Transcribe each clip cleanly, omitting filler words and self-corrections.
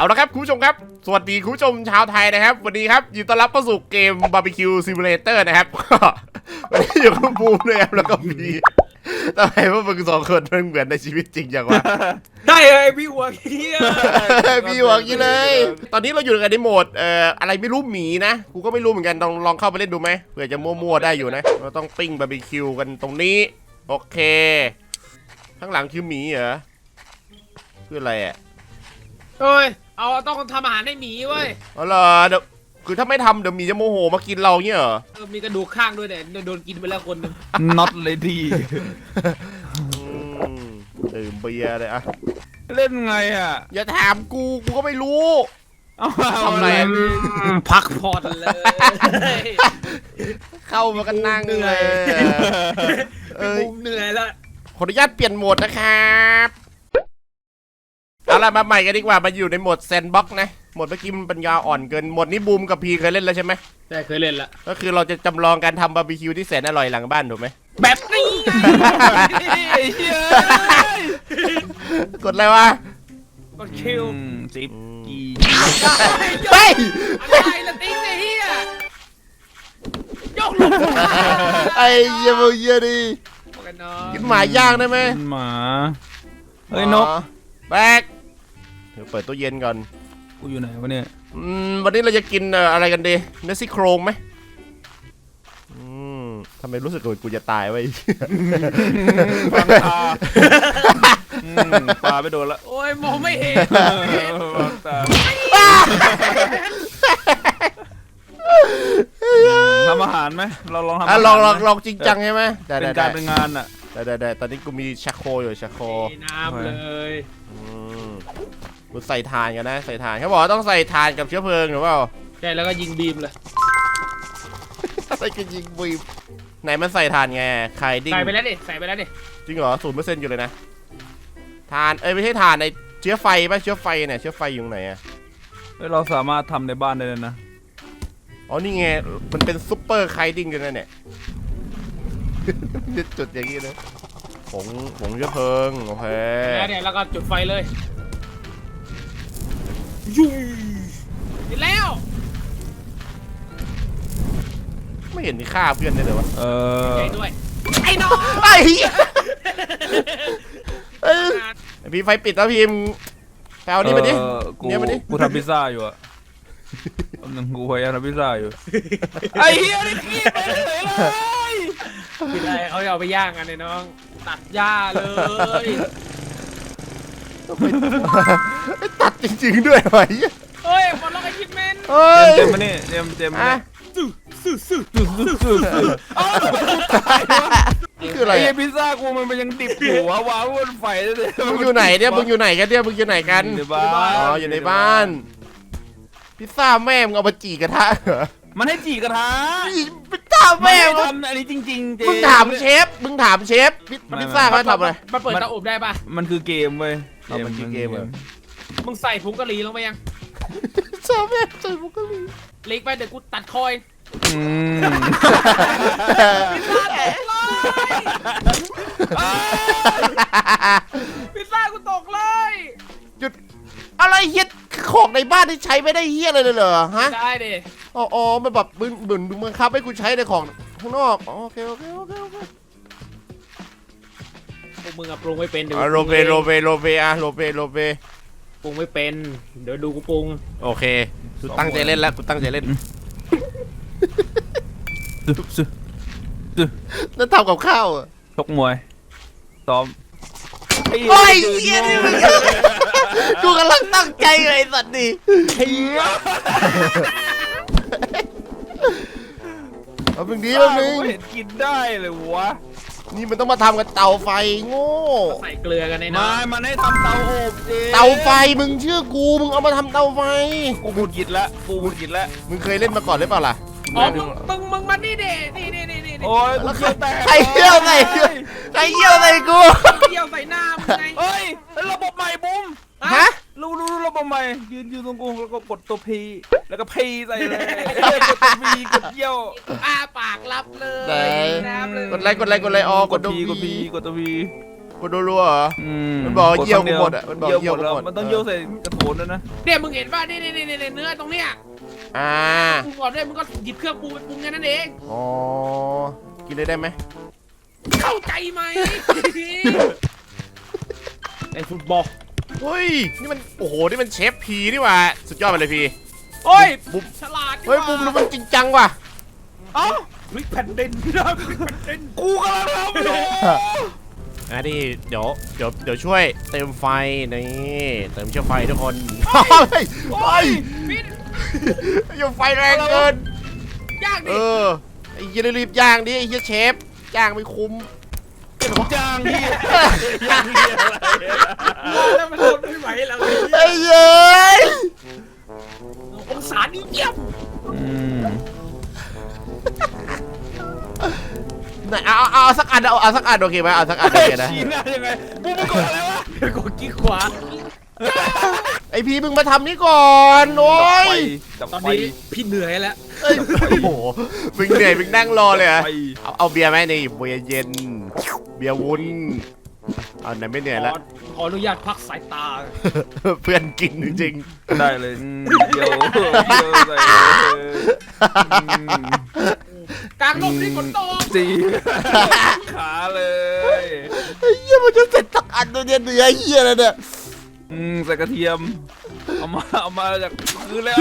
ละครับคุณผู้ชมครับสวัสดีคุณผู้ชมชาวไทยนะครับวันนี้ครับยินดีต้อนรับเข้าสู่เกมบาร์บีคิวซิมูเลเตอร์นะครับวันนี้อยู่กับบูมด้วยครับแล้วก็มีทำไมว่ามึงสองคนมันเหมือนในชีวิตจริงอย่างวะได้เลยพี่หัวเฮียพี่หัวกี้เลยตอนนี้เราอยู่กันในโหมดอะไรไม่รู้หมีนะกูก็ไม่รู้เหมือนกันลองเข้าไปเล่นดูไหมเผื่อจะมั่วๆได้อยู่นะเราต้องปิ้งบาร์บีคิวกันตรงนี้โอเคข้างหลังคือหมีเหรอคืออะไรอ่ะเฮ้ยเอาต้องทำอาหารให้หมีเว้ยอ๋อเหรอเดี๋ยวคือถ้าไม่ทำเดี๋ยวหมีจะโมโหมากินเราเงี้ยเหรอมีกระดูกข้างด้วยเนี่ยโดนกินไปแล้วคนหนึง not ready ดื่มเบียร์เลยอะเล่นไงอ่ะอย่าถามกูก็ไม่รู้เอาทำอะไรพักผ่อนเลยเข้ามากันนั่งเลยมุมเหนื่อยแล้วขออนุญาตเปลี่ยนโหมดนะครับเอาล่ะมาใหม่กันดีกว่ามาอยู่ในโหมดแซนด์บ็อกซ์นะโหมดเมื่อกี้มันปัญญาอ่อนเกินโหมดนี้บูมกับพีเคยเล่นแล้วใช่ไหมได้เคยเล่นละก็คือเราจะจำลองการทำบาร์บีคิวที่แสนอร่อยหลังบ้านถูกไหมแบบนี้ไอ้เหี้ยกดอะไรวะกดคิวสิบกีเฮ้ยอะไรละติ๊งไอ้เฮียยกลงไอ้เยี่ยมเยี่ยดิกันเนาะกินหมาย่างได้ไหมหมาเฮ้ยนกแบกเดี๋ยวเปิดตู้เย็นก่อนกูอยู่ไหนวะเนี่ยวันนี้เราจะกินอะไรกันดีเนื้อซี่โครงไหมทำไมรู้สึกว่ากูจะตายไว้ฟังตาปลาไปโดนละโอ้ยมองไม่เห็นฟังตาทำอาหารไหมเราลองทำอาหารลองจริงจังใช่ไหมได้เป็นการเป็นงานอ่ะได้ตอนนี้กูมีชักโครอยู่ชักโครน้ำเลยกูใส่ถ่านกันนะใส่ถ่านเขาบอกว่าต้องใส่ถ่านกับเชื้อเพลิงหรือเปล่าใช่แล้วก็ยิงบีมเลยอะไรกันยิงบีมไหนมันใส่ถ่านไงไข่ดิ้งใส่ไปแล้วดิใส่ไปแล้วดิจริงเหรอ0%อยู่เลยนะถ่านไม่ใช่ถ่านในเชื้อไฟป่ะเชื้อไฟเนี่ยเชื้อไฟอยู่ไหนอะเฮ้ยเราสามารถทำในบ้านได้เลยนะอ๋อนี่ไงมันเป็นซุปเปอร์ไคดิ้งกันนะเนี่ยจุดอย่างนี้เลยผงเชื้อเพลิงโอเคแล้วเนี่ยแล้วก็จุดไฟเลยยุ่ยติดแล้วไม่เห็นมีค่าเพื่อนได้เลยวะใหญ่ด้วยไอ้น้องไอ้เหี้ยพี่ไฟปิดแล้วพิมพ์แปลนี่มาดิกูเนี่ยมาดิกูทำพิซซ่าอยู่อ่ะกำลังกูพยายามทำพิซซ่าอยู่ไอ้เหี้ยนี่ขี้ไปเลยปิดอะไรเขาจะเอาไปย่างกันเลยน้องตัดหญ้าเลยตัดจริงๆด้วยวะเฮ้ยบอลล็อกไอ้คิดเมนเฮ้ยเต็มมานี่เต็มมานี่นี่คืออะไรไอ้พิซซ่ากูมันยังดิบอยู่วะวางบนไฟเลยมึงอยู่ไหนเนี่ยมึงอยู่ไหนกันเนี่ยมึงอยู่ไหนกันในบ้านอ๋ออยู่ในบ้านพิซซ่าแม่มึงเอามาจีกระทะเหรอมันให้จีกระทะพิซซ่าไม่แม่ให้มึงทำอันนี้จริงๆเจมึงถามเชฟพิซซ่าเขาทำอะไรมาเปิดเตาอบได้ป่ะมันคือเกมเว้ยเอามันคือเกมเหรอมึงใส่ผงกะหรี่ลงไปยังชอบแม่ใส่บุกกะลีเล็กไปเดี๋ยวกูตัดคอยอืมพิซซ่ากูตกเลยหยุดอะไรเฮียของในบ้านที่ใช้ไม่ได้เฮียเลยเหรอฮะได้ดิอ๋อมันแบบมึงบังคับให้กูใช้ในของข้างนอกโอเคพวกมึงอะปรุงไม่เป็นเดี๋ยวโรเบอะโรเบปรุงไม่เป็นเดี๋ยวดูกูปรุงโอเคกูตั้งใจเล่นแล้วกูตั้งใจเล่นนั่นทำกับข้าวอ่ะชกมวยซ้อมโอ้ยเฮียนี่มึงกูกำลังตั้งใจเลยไอ้สัตว์ดิเอาเป็นดีแบบนึงเห็นกินได้เลยวะนี่มันต้องมาทำกับเตาไฟโง่ใส่เกลือกันในมาน้ำมันให้ทำเตาอบเจเตาไฟมึงเชื่อกูมึงเอามาทำเตาไฟกูบุดกิดละกูบุดกิดละมึงเคยเล่นมาก่อนหรือเปล่าล่ะอ๋อมึงมานี่เด็นี่โอ้ยกูเกี่ยวแตกใครเยี่ยวใส่กูเกี่ยวใส่หน้ามึงไงเฮ้ยระบบใหม่บุ้มฮะรู้ระบบใหม่ยืนตรงกูแล้วก็กดตัวพีแล้วก็พีใส่เลยกดตัวพีกดเยี่ยวอ้าปากรับเลยน้ำเลยกดไลค์อ๋อกดตัวพีพีกดตัวพีกดรัวๆเหรอ มันบอกว่าเยี่ยวกูหมดอะมันบอกเยี่ยวกูหมดมันต้องเยี่ยวใส่กระโถนด้วยนะเนี่ยมึงเห็นป่ะนี่เนื้อตรงเนี้ยอ่าปรุงก่อนด้วยมึงก็หยิบเครื่องปรุงไปปรุงแค่นั้นเองอ๋อกินเลยได้ไหมเข้าใจไหมในฟุตบอลเฮ้ยนี่มันโอ้โหนี่มันเชฟพีนี่หว่าสุดยอดไปเลยพี่โอ้ยบุ้มฉลาดเฮ้ยบุ้มดูมันจริงจังว่ะเอ้าพลิกแผ่นดินพี่น้องพลิกแผ่นดินกูกำลังทำอยู่นี่เดี๋ยวช่วยเติมไฟนี่เติมเชื้อไฟทุกคนเฮ้ยโอ้ยพี่อย่าไฟแรงเกินยากเอดิอไอ้เหี้ยรีบย่างดิไอ้เหี้ยเชฟย่างไม่คุ้มจางเฮียแล้วมันทนไม่ไหวแล้วไอ้เย้ยองศานี่เยี่ยมไหนเอาสักอันเอาสักอันโอเคไหมเอาสักอันโอเคนะชี้หน้ายังไงกูไม่กดอะไรวะกดกี้ขวาไอพี่มึงมาทำนี่ก่อนโอ้ยจับตอนไฟนี้พี่เหนื่อยแล้วเอ้ยโอ้โหมึงเหนื่อยมึงนั่งรอเลยเหรอะไฟเอาเบียร์ไหมนี่เบียร์เย็นเบียร์วุ้นเอาไหนไม่เหนื่อยแล้วขออนุญาตพักสายตาเพื่อนกินจริงได้เลยเดี๋ยวใส่กลางลมนี่ฝนตกจีขาเลยไอ้เหี้ยมันจะเสร็จสักอันตัวเนี้ยเนื้อเหี้ยอะไรเนี่ยใส่กระเทียมเอามาจากคือแล้ว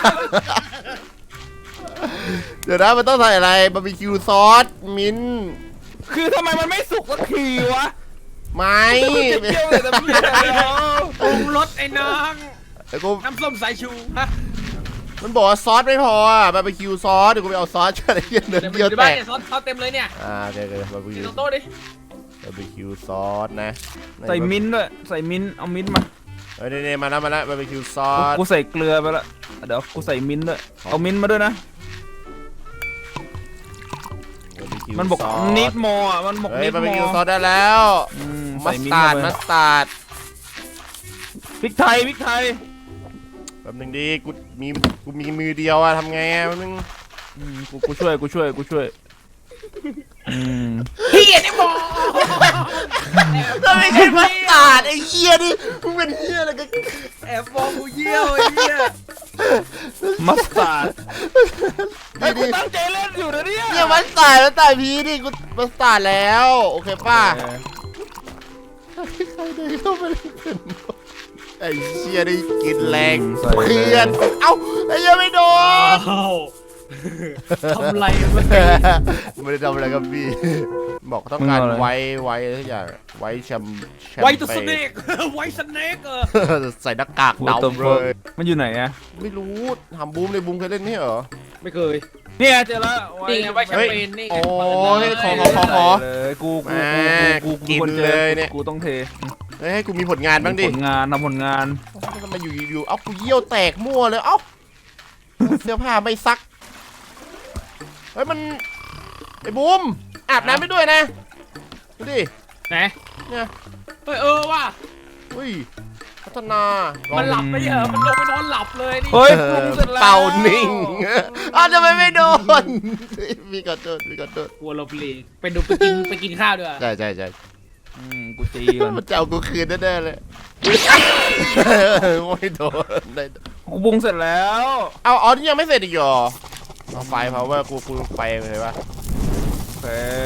เดี๋ยวนะมันต้องใส่อะไรบาร์บีคิวซอสมิ้นท์คือทำไมมันไม่สุกสักทีวะไม่เปรี้ยวเลยแต่เปรี้ยวปรุงรสไอ้น้องไอ้กูน้ำส้มสายชูฮะมันบอกว่าซอสไม่พออ่ะบาร์บีคิวซอสเดี๋ยวกูไปเอาซอสอะไรเงี้ยเนื้อเดี๋ยวเยี่ยวในแตบ้านกเนี่ยซอสเต็มเลยเนี่ยเดี๋ยวบาร์บีนี่คิวตรงโต๊ะดิบาร์บีคิวซอสนะใส่มิ้นท์ด้วยใส่มิ้นท์เอามิ้นท์มาเฮ้ยนี่มาแล้วบาร์บีคิวซอสกูใส่เกลือไปละเดี๋ยวกูใส่มิ้นท์ด้วยเอามิ้นท์มาด้วยนะ BBQ มันบอกซสนิดมออ่ะมันบอกเฮ้ยนิดบาร์บีมคิวซออสได้แล้ว มัใส่สมิ้นตาร์ดท์มัมาสตาร์ดพริกไทยพริกไทยแป๊บนึงดิกูมีมือเดียวอะทำไงอะแป๊บนึงกูช่วยเฮียนี่บอกไม่ใช่มัสตาร์ดไอ้เหี้ยดิมึงเป็นเหี้ยอะไรกันแอบมองกูเยี่ยวไอ้เหี้ยมัสตาร์ดไอ้นี่กูดิตั้งใจเล่นอยู่นะเนี่ยเนี่ยมัสตาร์ดพีดิกูมัสตาร์ดแล้วโอเคป่ะใครเดินเข้าไปเล่นเป็นไอ้เหี้ยได้กินแรงเพื่อนเอ้าไอ้เหี้ยไม่โดนทำไรวะไม่ได้ทำอะไรกับพี่บอกต้องการไว้ทุกอย่างไว้แชมไวตัวสเนกไวสเนกใส่หน้ากากกูดำเลยมันอยู่ไหนอะไม่รู้ทำบูมเลยบูมเคยเล่นนี่เหรอไม่เคยเนี่ยเจอแล้วนี่ไงไวแชมเปญนี่ไงโอ้เปิดยเลยขอเลยกูกินคนจอเลยเนี่ยกูต้องเทเฮ้ยให้กูมีผลงานบ้างดิผลงานทำผลงานทำไมอยู่เอ้ากูเยี่ยวแตกมั่วเลยเอ้าเสื้อผ้าไม่ซักเฮ้ยมันไอ้บูมอาบน้ำไม่ด้วยนะดูดิไหนเนี่ยเฮ้ยว่ะอุ้ยพัฒนามันหลับไปเหรอมันลงไปนอนหลับเลยนี่เฮ้ยปรุงเสร็จแล้วเป่านิ่งอ้าวทำไมไม่โดนมีขอโทษกลัวเราปลีไปกินข้าวด้วยใช่กูตีก่อนมันจะเอากูคืนแน่ๆเลยไม่โดนได้กูปรุงเสร็จแล้วเอานี่ยังไม่เสร็จอีกเหรอเอาไฟเพราะว่ากูไฟเลยปะโอเค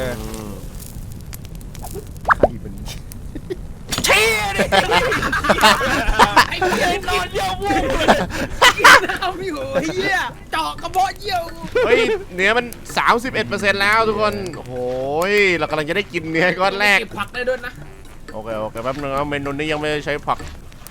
ใครมันเชี่ยดิไอ้เหี้ยนอนเยี่ยววูบเลยกินน้ำอยู่ไอ้เหี้ยเจาะกระเพาะเยี่ยวเฮ้ยเนื้อมัน 31%แล้วทุกคนโอ้ยเรากำลังจะได้กินเนื้อก้อนแรกเก็บผักได้ด้วยนะโอเคแป๊บนึงนะเมนูนี้ยังไม่ได้ใช้ผัก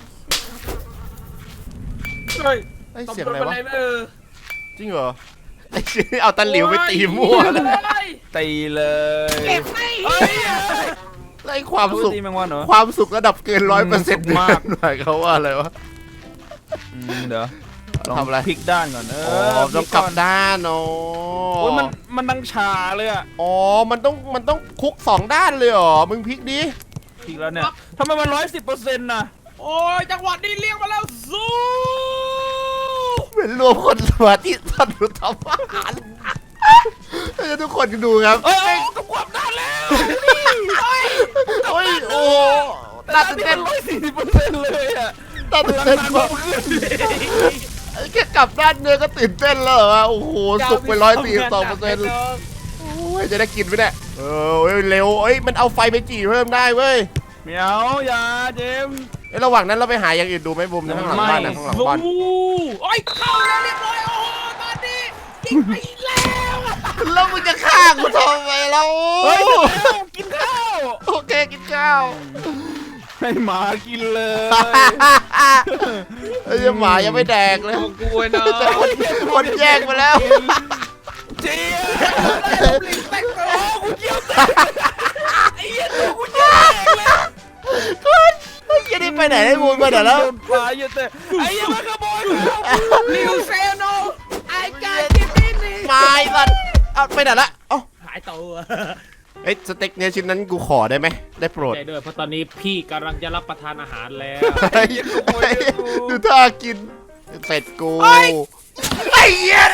เฮ้ยไอ้ยเสียงอะไรวะ จริงเหรอไอ้ชี้เอาตะหลิวไปตีมั่วเลยตีเลยเก็บไม่เฮ้ยไอ้ความสุขตีแมงวันเหรอความสุขระดับเกิน 100% สุขมากหน่อยเขาว่าอะไรวะเดี๋ยวลองทำอะไรพลิกด้านก่อนอ๋อพต้ลิองกลับนด้านอ๋อโอ้ยมันดังชาเลยอะอ๋อมันต้องคลุก2 ด้านเลยเหรอมึงพลิกดิพลิกแล้วเนี่ยทำไมมัน110%น่ะโอ้ยจังหวะนี้เรียกมาแล้วสู้เป็นรวมคนสมาธิสั้นรู้ทำอาหารให้ทุกคนดูครับเอ้ยต้องกวบด้านแล้วโอ้ยโอ้น่าตื่นเต้น 140%เลยอ่ะน่าตื่นเต้นมากแค่กลับด้านเนื้อก็ตื่นเต้นแล้วเหรอโอ้โหสุกไป142%โอ้ยจะได้กินไหมเนี่ยเร็วเอ้ยมันเอาไฟไปจี่เพิ่มได้เว้ยเหมียวอย่าเจมส์ระหว่างนั้นเราไปหาอย่างอื่นดูไหมบุมข้างหลังบ้านนะข้างหลังบ้านโอ้ยเข้าแล้วเรียบร้อยโอ้โหตอนนี้ยิงไปแล้วแล้วมึงจะฆ่ากูทำไมเราเฮ้ยกินข้าวโอเคกินข้าวให้หมากินเลยไอ้หมายังไม่แดกเลยของกูเนาะแต่คนแย่งไปแล้วเจี๊ยแตกโตกูเกี่ยวแตกไอ้เหี้ยตัวกูเกี่ยวแตกเลยคุณไอ้ยี่นี่ไปไหนได้บุญไปไหนแล้วปลาเยอะแต่ไอ้เหี้ยมันขโมยกูนิวเซโนไอ้การกินนี่มาไอ้สัตว์เอาไปไหนละเอ้าหายตัวเอ้ยสเต็กเนื้อชิ้นนั้นกูขอได้ไหมได้โปรดใจด้วยเพราะตอนนี้พี่กำลังจะรับประทานอาหารแล้วไอ้ดูท่ากินเสร็จกูไอ้เหี้ย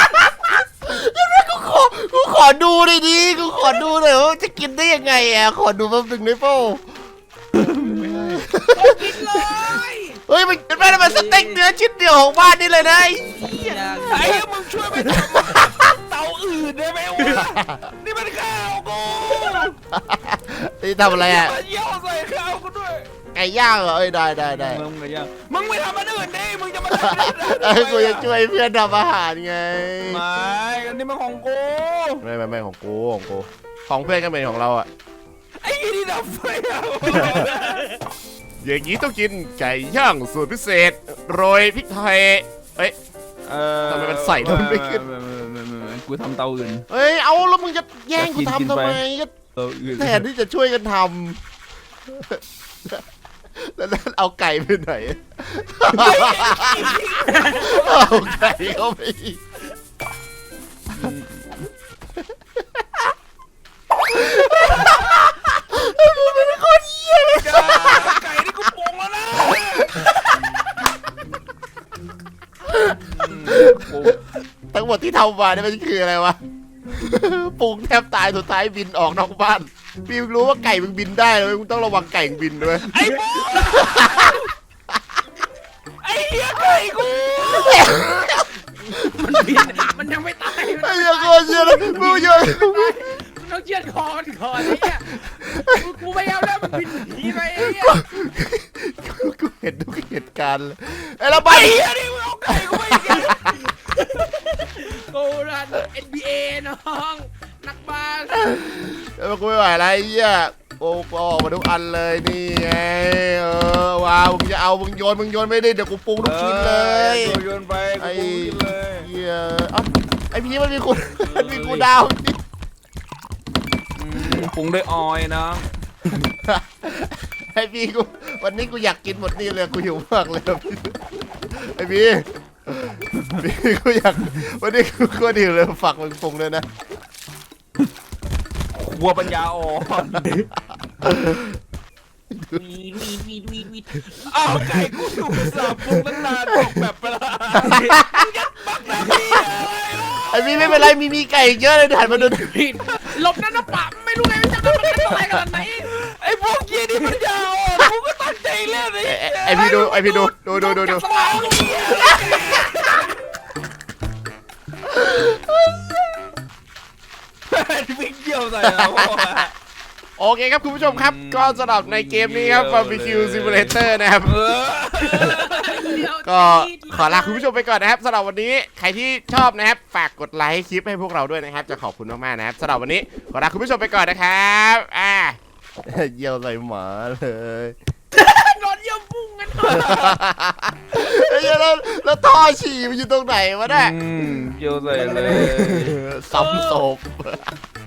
กูขอดูหน่อยดิกูขอดูหน่อยว่าจะกินได้ยังไงอ่ะขอดูแป๊บนึงได้ป่ะกินเลยเฮ้ยมันเป็นไปได้มันสเต็กเนื้อชิ้นเดียวของบ้านนี่เลยนะไอ้เหี้ยไอ้เหี้ยมึงช่วยไปทำเตาอื่นได้ไหมวะนี่มันข้าวกูนี่ทำอะไรอ่ะมาเยี่ยวใส่ข้าวกูด้วยไก่ย่างเหรอเอ้ยได้มึงไงยังมึงไม่ทำมันอื่นดิมึงจะมาเอ้ยกูจะช่วยเพื่อนทำอาหารไงไม่อันนี้มันของกูไม่ของกูของเพื่อนก็เป็นของเราอ่ะไอ้ยี่นี่ดับไฟอ่ะอย่างนี้ต้องกินไก่ย่างสูตรพิเศษโรยพริกไทยเอ้ย ทำไมมันใส่แล้วมันไม่ขึ้นกูทำเตาอื่นเอ้ยเอาแล้วมึงจะแย่งกูทำทำไมก็เตาอื่นแทนที่จะช่วยกันทำแล้วเอาไก่ไปไหนเอาไก่เข้าไปอีก เป็นคนเหี้ยเลยไก่นี่กูปรุงแล้วนะทั้งหมดที่ทำมาเนี่ยมันคืออะไรวะปรุงแทบตายสุดท้ายบินออกนอกบ้านพี่รู้ว่าไก่มึงบินได้เลยมึงต้องระวังไก่มึงบินด้วยไอ้บูไอ้เหี้ยไก่กูมันยังไม่ตายไอ้เหี้ยโคตรเหี้ยเลยมึงเยอะมันต้องเชือดคอมันก่อนไอ้เนี่ยกูไม่เอาแล้วมันบินหนีไปไอ้เนี่ยกูเห็นทุกเหตุการณ์เลยไอ้ระบาไอ้ยเหี้ยนี่มึงเอาไก่กูไปอีกแล้วกูรัน NBA น้องนักบาสกูไม่ไหวแล้วไอ้เหี้ยโอ้ออกมาทุกอันเลยนี่ไงว้าวมึงจะเอามึงโยนไม่ได้เดี๋ยวกูปรุงทุกชิ้นเลยโยนไปกูปรุงกินเลยเหี้ยเอ้าไอ้พี่มันมีกูดาวปรุงด้วยออยนะไอ้พี่กูวันนี้กูอยากกินหมดนี่เลยกูหิวมากเลยไอ้พี่กูอยากวันนี้กูก็หิวเลยฝากมึงปรุงด้วยนะวัวปัญญาอ่อนวีดอ้าวไก่กูถูกสับปรุงตั้งนานบอกแบบไปละยัดบักแบบนี้อะไรล่ะไอ้พี่ไม่เป็นไรมีไก่เยอะเลยหันมาดูหลบนั่นนะปะไม่รู้ไงมันจะมันอะไรขนาดไหนไอ้พวกเกียร์นี่ปัญญาอ่อนกูก็ตั้งใจเล่นเลยไอ้พี่ดูสมองลูกเหี้ยวิ่งเกี่ยวใส่เราโอเคครับคุณผู้ชมครับก็สำหรับในเกมนี้ครับ Barbecue Simulator นะครับก็ขอลาคุณผู้ชมไปก่อนนะครับสำหรับวันนี้ใครที่ชอบนะครับฝากกดไลค์คลิปให้พวกเราด้วยนะครับจะขอบคุณมากๆนะครับสำหรับวันนี้ขอลาคุณผู้ชมไปก่อนนะครับเยี่ยวใส่หมาเลยนอนเยี่ยมพุ่งกันไอ้เหี้ยแล้วท่อฉี่มันอยู่ตรงไหนวะเนี่ยเกี่ยวใส่เลยซ้ำศพ